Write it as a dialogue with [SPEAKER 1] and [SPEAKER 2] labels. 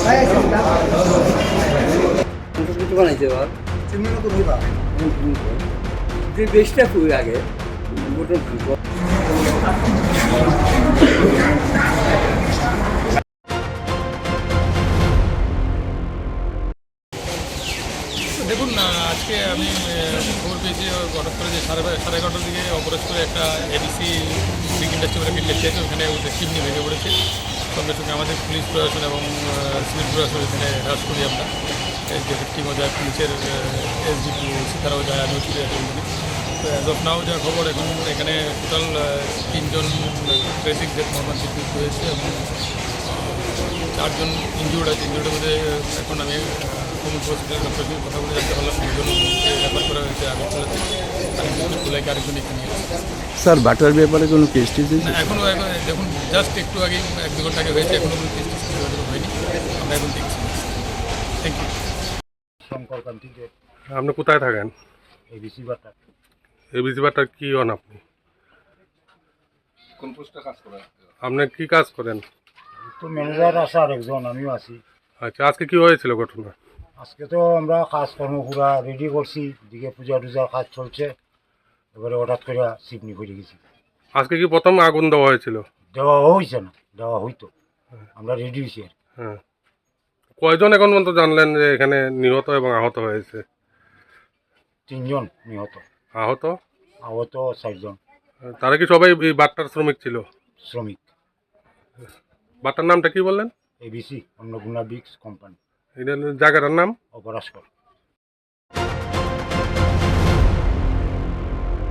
[SPEAKER 1] কিছু বানাইছে এবার যে বেশটা খুবই আগে
[SPEAKER 2] দেখুন না, আজকে আমি খবর পেয়েছি হঠাৎ করে যে সাড়ে 11টার দিকে অপরাধ করে একটা এডিসি ব্রিক ইন্ডাস্ট্রি বলে মিল আছে, ওখানে ওদের চিমনি ভেঙে পড়েছে। সঙ্গে সঙ্গে আমাদের পুলিশ প্রশাসন এবং সিভিল প্রশাসন এখানে হ্রাস করি আমরা। এই যে টিমও যায়, পুলিশের এসডিপি তারাও যায়, আমিও ছুটে আসি। তো অ্যাজ অফ নাও যা খবর, এখন এখানে টোটাল 3জন ট্রেফিক ডেথ মর্মান্তিক হয়েছে এবং 4জন ইনজুর্ড আছে। ইনজুর্ডের মধ্যে এখন আমি কমিউনিটি হসপিটাল ডক্টরের সঙ্গে কথা বলে জানতে পারলাম 2জনকে রেফার করা হয়েছে আগরতলাতে, আরেকজন খোলাইকে আরেকজন এখানে আছে।
[SPEAKER 3] স্যার বাটার ব্যাপারে কোনো কেস টেস
[SPEAKER 2] না, এখনও দেখুন জাস্ট একটু আগে 1-2 ঘন্টা আগে হয়েছে, এখনও কোনো কেস হয়নি। আমরা এখন দেখছি। Thank you.
[SPEAKER 4] শঙ্কর কান্তি দেব,
[SPEAKER 5] আপনি কোথায় থাকেন?
[SPEAKER 4] এবিসি বাটা।
[SPEAKER 5] এবিসি বাটার কি হন আপনি?
[SPEAKER 6] কোন পোস্টে কাজ করেন?
[SPEAKER 5] আপনি কি কাজ করেন?
[SPEAKER 4] তো ম্যানেজার আছে আর একজন, আমিও আছি।
[SPEAKER 5] আচ্ছা, আজকে কি হয়েছিল ঘটনা?
[SPEAKER 4] আজকে তো আমরা কাজকর্ম পুরা রেডি করছি, দিকে পূজা টুজার কাজ চলছে, এবারে হঠাৎ করে চিমনি পড়ে গেছি।
[SPEAKER 5] আজকে কি প্রথম আগুন দেওয়া হয়েছিল?
[SPEAKER 4] দেওয়া হয়েছে না, দেওয়া হইতো, আমরা রেডি হয়েছি আর।
[SPEAKER 5] হ্যাঁ, কয়জন এখন পর্যন্ত জানলেন যে এখানে নিহত এবং আহত হয়েছে?
[SPEAKER 4] 3জন নিহত,
[SPEAKER 5] আহত
[SPEAKER 4] আহত 4জন
[SPEAKER 5] তারা কি সবাই এই বাট্টার শ্রমিক ছিল?
[SPEAKER 4] শ্রমিক।
[SPEAKER 5] বাট্টার নামটা কি বললেন?
[SPEAKER 4] এবিসি অন্নপূর্ণা ব্রিক্স কোম্পানি,
[SPEAKER 5] এটা জায়গাটার নাম?
[SPEAKER 4] অপরাস্কর।